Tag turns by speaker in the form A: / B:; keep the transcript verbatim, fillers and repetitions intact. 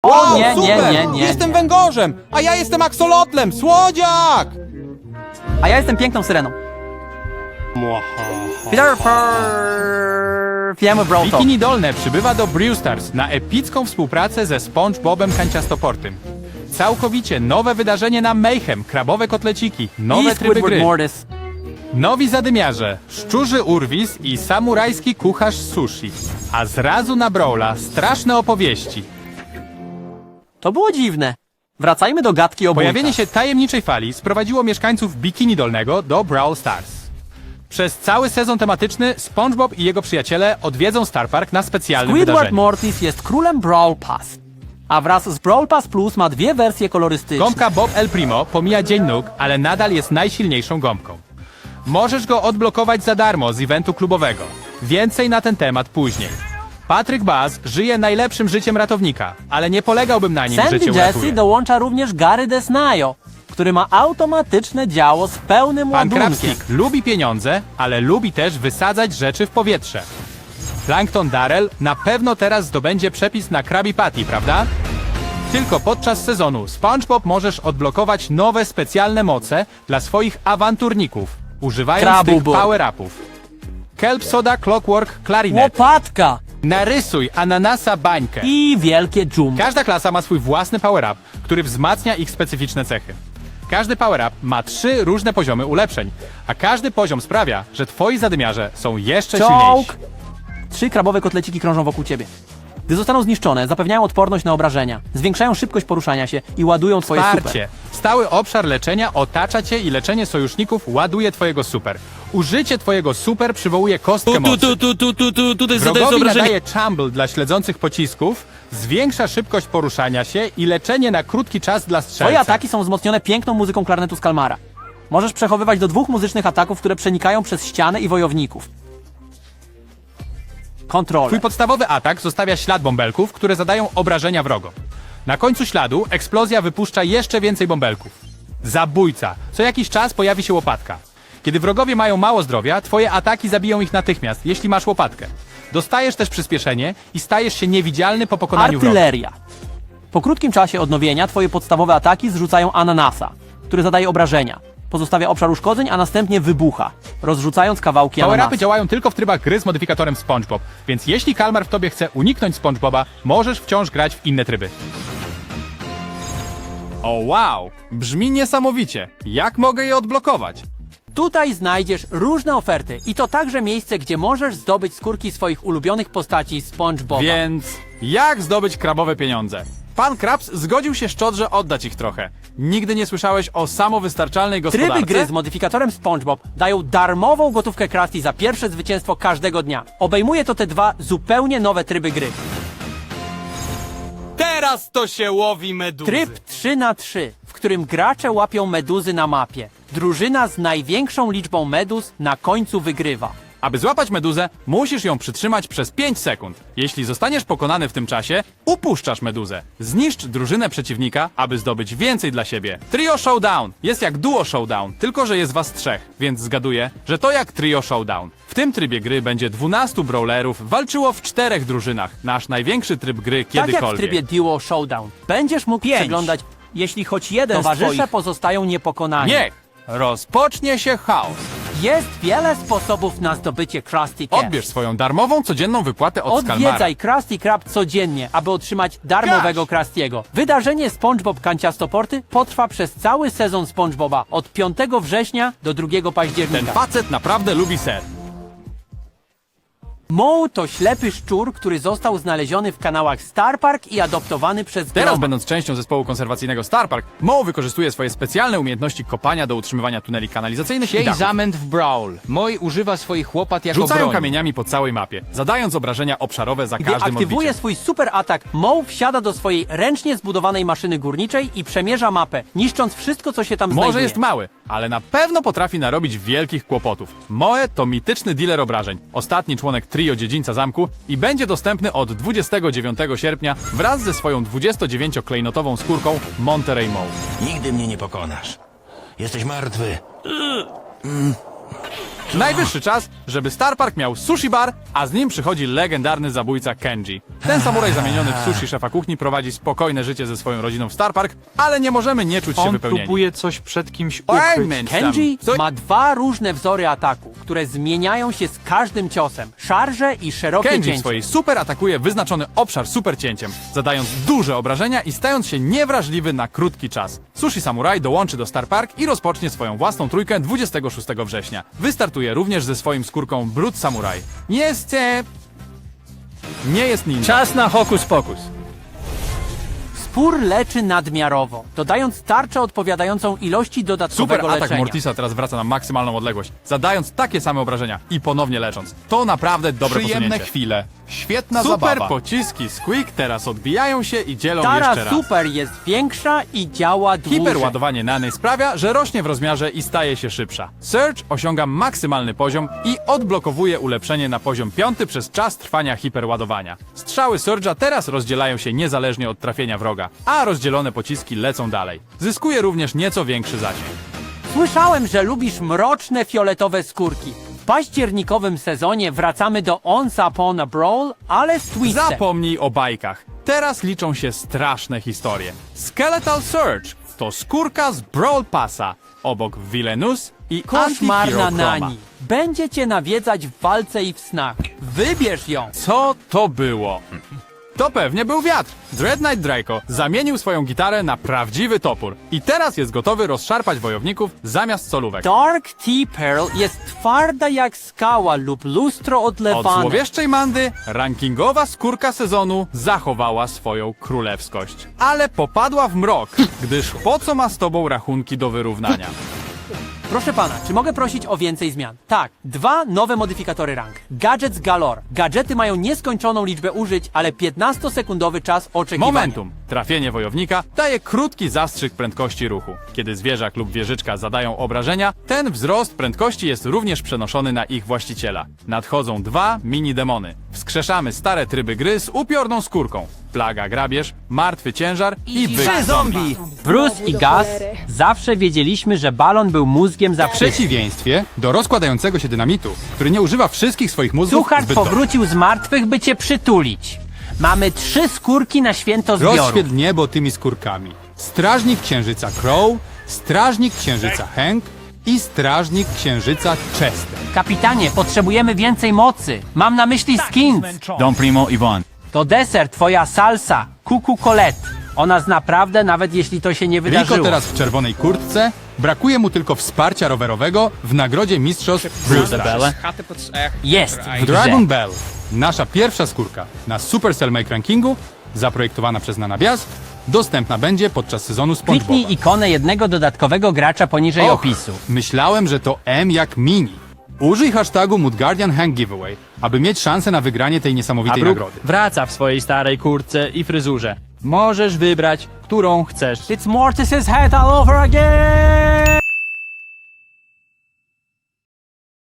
A: Wow,
B: nie, nie,
A: super!
B: nie, nie,
A: Jestem
B: nie.
A: węgorzem, a ja jestem aksolotlem, słodziak!
B: A ja jestem piękną syreną. Peter Wiemy, bro, to.
A: Bikini Dolne przybywa do Brewstars na epicką współpracę ze SpongeBobem Kanciastoportym. Całkowicie nowe wydarzenie na Mayhem, krabowe kotleciki, nowe
B: I
A: tryby
B: Squidward
A: gry,
B: Mortis.
A: nowi zadymiarze, szczurzy urwis i samurajski kucharz sushi. A zrazu na Brawla straszne opowieści.
B: To było dziwne. Wracajmy do gadki o
A: Pojawienie
B: bójkach.
A: się tajemniczej fali sprowadziło mieszkańców Bikini Dolnego do Brawl Stars. Przez cały sezon tematyczny SpongeBob i jego przyjaciele odwiedzą Star Park na specjalnym
B: Squidward
A: wydarzeniu.
B: Mortis jest królem Brawl Pass. A wraz z Brawl Pass Plus ma dwie wersje kolorystyczne.
A: Gąbka Bob El Primo pomija dzień nóg, ale nadal jest najsilniejszą gąbką. Możesz go odblokować za darmo z eventu klubowego. Więcej na ten temat później. Patryk Baz żyje najlepszym życiem ratownika, ale nie polegałbym na nim,
B: Sandy
A: że cię
B: Jesse
A: uratuje.
B: dołącza również Gary Desnayo, który ma automatyczne działo z pełnym
A: Pan
B: ładunkiem.
A: Krabstik lubi pieniądze, ale lubi też wysadzać rzeczy w powietrze. Plankton Darrell na pewno teraz zdobędzie przepis na Krabby Patty, prawda? Tylko podczas sezonu SpongeBob możesz odblokować nowe specjalne moce dla swoich awanturników, używając
B: Krabubu.
A: tych power-upów. Kelp Soda Clockwork Clarinet.
B: Łopatka
A: Narysuj ananasa bańkę.
B: i wielkie dżumbo.
A: Każda klasa ma swój własny power-up, który wzmacnia ich specyficzne cechy. Każdy power-up ma trzy różne poziomy ulepszeń, a każdy poziom sprawia, że twoi zadymiarze są jeszcze silniejsi.
B: Czołg! Trzy krabowe kotleciki krążą wokół ciebie. Gdy zostaną zniszczone, zapewniają odporność na obrażenia, zwiększają szybkość poruszania się i ładują twoje super.
A: Wsparcie. Stały obszar leczenia otacza cię i leczenie sojuszników ładuje twojego super. Użycie twojego super przywołuje kostkę
C: Tu,
A: mocy.
C: tu, tu, tu, tu, tu, tutaj zadajesz
A: Wrogowi
C: obrażenie.
A: nadaje Chumble dla śledzących pocisków, zwiększa szybkość poruszania się i leczenie na krótki czas dla strzelca.
B: Twoje ataki są wzmocnione piękną muzyką klarnetu z Kalmara. Możesz przechowywać do dwóch muzycznych ataków, które przenikają przez ścianę i wojowników. Kontrolę.
A: Twój podstawowy atak zostawia ślad bąbelków, które zadają obrażenia wrogom. Na końcu śladu eksplozja wypuszcza jeszcze więcej bąbelków. Zabójca. Co jakiś czas pojawi się łopatka. Kiedy wrogowie mają mało zdrowia, twoje ataki zabiją ich natychmiast, jeśli masz łopatkę. Dostajesz też przyspieszenie i stajesz się niewidzialny po pokonaniu wroga.
B: Artyleria. Po krótkim czasie odnowienia twoje podstawowe ataki zrzucają ananasa, który zadaje obrażenia. Pozostawia obszar uszkodzeń, a następnie wybucha, rozrzucając kawałki
A: Power-upy
B: ananasa.
A: działają tylko w trybach gry z modyfikatorem SpongeBob, więc jeśli Kalmar w tobie chce uniknąć SpongeBoba, możesz wciąż grać w inne tryby. O wow! Brzmi niesamowicie. Jak mogę je odblokować?
B: Tutaj znajdziesz różne oferty i to także miejsce, gdzie możesz zdobyć skórki swoich ulubionych postaci SpongeBoba.
A: Więc jak zdobyć krabowe pieniądze? Pan Krabs zgodził się szczodrze oddać ich trochę. Nigdy nie słyszałeś o samowystarczalnej gospodarce?
B: Tryby gry z modyfikatorem SpongeBob dają darmową gotówkę Krusty za pierwsze zwycięstwo każdego dnia. Obejmuje to te dwa zupełnie nowe tryby gry.
C: Teraz to się łowi meduzy.
B: Tryb trzy na trzy, w którym gracze łapią meduzy na mapie. Drużyna z największą liczbą meduz na końcu wygrywa.
A: Aby złapać meduzę, musisz ją przytrzymać przez pięć sekund. Jeśli zostaniesz pokonany w tym czasie, upuszczasz meduzę. Zniszcz drużynę przeciwnika, aby zdobyć więcej dla siebie. Trio Showdown jest jak Duo Showdown, tylko że jest was trzech, więc zgaduję, że to jak Trio Showdown. W tym trybie gry będzie dwunastu brawlerów walczyło w czterech drużynach. Nasz największy tryb gry
B: Tak jak w
A: kiedykolwiek.
B: trybie Duo Showdown. Będziesz mógł
A: Pięć.
B: przeglądać, jeśli choć jeden Towarzysze
A: twoich-
B: pozostają niepokonani.
A: Niech rozpocznie się chaos.
B: Jest wiele sposobów na zdobycie Krusty Cash.
A: Odbierz swoją darmową codzienną wypłatę od Skalmara.
B: Odwiedzaj Krusty Krab codziennie, aby otrzymać darmowego Krustiego. Wydarzenie SpongeBob Kanciastoporty potrwa przez cały sezon SpongeBoba od piątego września do drugiego
A: Ten
B: października.
A: facet naprawdę lubi ser.
B: Moe to ślepy szczur, który został znaleziony w kanałach Star Park i adoptowany przez
A: Teraz,
B: Groma.
A: będąc częścią zespołu konserwacyjnego Star Park, Moe wykorzystuje swoje specjalne umiejętności kopania do utrzymywania tuneli kanalizacyjnych i
D: Siej
A: dachów.
D: zamęt w Brawl. Moj używa swoich łopat jako
A: Rzucają
D: broń.
A: kamieniami po całej mapie, zadając obrażenia obszarowe za
B: Gdy
A: każdym
B: aktywuje
A: odbiciem.
B: swój super atak, Moe wsiada do swojej ręcznie zbudowanej maszyny górniczej i przemierza mapę, niszcząc wszystko, co się tam
A: Może
B: znajduje.
A: jest mały, ale na pewno potrafi narobić wielkich kłopotów. Moe to mityczny dealer obrażeń, ostatni członek trio dziedzińca zamku i będzie dostępny od dwudziestego dziewiątego sierpnia wraz ze swoją dwudziestodziewięcioklejnotową skórką Monterey Moe.
E: Nigdy mnie nie pokonasz. Jesteś martwy.
A: Najwyższy czas, żeby Star Park miał sushi bar, a z nim przychodzi legendarny zabójca Kenji. Ten samuraj zamieniony w sushi szefa kuchni prowadzi spokojne życie ze swoją rodziną w Star Park, ale nie możemy nie czuć się
D: On
A: wypełnieni.
D: próbuje coś przed kimś
A: Ej,
D: ukryć.
A: męcz tam.
B: Kenji
A: Co-
B: ma dwa różne wzory ataku, które zmieniają się z każdym ciosem. Szarże i szerokie
A: Kenji w
B: cięcie.
A: swojej super atakuje wyznaczony obszar super cięciem, zadając duże obrażenia i stając się niewrażliwy na krótki czas. Sushi Samurai dołączy do Star Park i rozpocznie swoją własną trójkę dwudziestego szóstego września. Wystartuje również ze swoim skórką Blood Samurai. Jest... E... Nie jest ninja.
E: Czas na hokus pokus.
B: Spór leczy nadmiarowo, dodając tarczę odpowiadającą ilości dodatkowego
A: Super atak
B: leczenia.
A: Mortisa teraz wraca na maksymalną odległość, zadając takie same obrażenia i ponownie lecząc. To naprawdę dobre
F: Przyjemne
A: posunięcie.
F: chwile. Świetna
A: Super
F: zabawa.
A: pociski Squeak teraz odbijają się i dzielą
B: Tara
A: jeszcze raz.
B: Super jest większa i działa dłużej.
A: Hiperładowanie Nany sprawia, że rośnie w rozmiarze i staje się szybsza. Surge osiąga maksymalny poziom i odblokowuje ulepszenie na poziom piąty przez czas trwania hiperładowania. Strzały Surge'a teraz rozdzielają się niezależnie od trafienia wroga, a rozdzielone pociski lecą dalej. Zyskuje również nieco większy zasięg.
B: Słyszałem, że lubisz mroczne fioletowe skórki. W październikowym sezonie wracamy do Once Upon a Brawl, ale z twistem.
A: Zapomnij o bajkach. Teraz liczą się straszne historie. Skeletal Surge to skórka z Brawl Passa, obok Villainous i
B: Koszmarna
A: Anti-Hero Chroma.
B: Nani. Będzie cię nawiedzać w walce i w snach. Wybierz ją.
A: Co to było? To pewnie był wiatr. Dread Knight Draco zamienił swoją gitarę na prawdziwy topór i teraz jest gotowy rozszarpać wojowników zamiast solówek.
B: Dark Tea Pearl jest twarda jak skała lub lustro
A: Od
B: odlewane.
A: złowieszczej Mandy rankingowa skórka sezonu zachowała swoją królewskość. Ale popadła w mrok, gdyż po co ma z tobą rachunki do wyrównania?
B: Proszę pana, czy mogę prosić o więcej zmian? Tak, dwa nowe modyfikatory rank. Gadgets galore. Gadżety mają nieskończoną liczbę użyć, ale piętnastosekundowy czas oczekiwania.
A: Momentum. Trafienie wojownika daje krótki zastrzyk prędkości ruchu. Kiedy zwierzak lub wieżyczka zadają obrażenia, ten wzrost prędkości jest również przenoszony na ich właściciela. Nadchodzą dwa mini-demony. Wskrzeszamy stare tryby gry z upiorną skórką. Plaga grabież, martwy ciężar i byk zombie.
B: Bruce i Gus zawsze wiedzieliśmy, że balon był mózgiem za
F: W przeciwieństwie do rozkładającego się dynamitu, który nie używa wszystkich swoich mózgów
B: Suchar
F: zbyt dobrze.
B: powrócił z martwych, by cię przytulić. Mamy trzy skórki na święto zbioru.
F: Rozświetl niebo tymi skórkami. Strażnik Księżyca Crow, Strażnik Księżyca Hank i Strażnik Księżyca Chester.
B: Kapitanie, potrzebujemy więcej mocy. Mam na myśli skins.
E: Don Primo Iwan.
B: To deser, twoja salsa, Cuckoo Colette. Ona zna prawdę, nawet jeśli to się nie wydarzyło.
F: Rico teraz w czerwonej kurtce, brakuje mu tylko wsparcia rowerowego w nagrodzie mistrzostw Bruce
E: Belle.
B: Jest w grze.
F: Dragon Bell, nasza pierwsza skórka na Supercell Make Rankingu, zaprojektowana przez Nana Bias, dostępna będzie podczas sezonu SpongeBoba.
B: Kliknij ikonę jednego dodatkowego gracza poniżej
F: Och,
B: opisu.
F: Myślałem, że to M jak mini. Użyj hashtagu Mudguardian Hank Giveaway, aby mieć szansę na wygranie tej niesamowitej
E: Brooke
F: nagrody.
E: wraca w swojej starej kurtce i fryzurze. Możesz wybrać, którą chcesz.
B: It's Mortis's head all over again!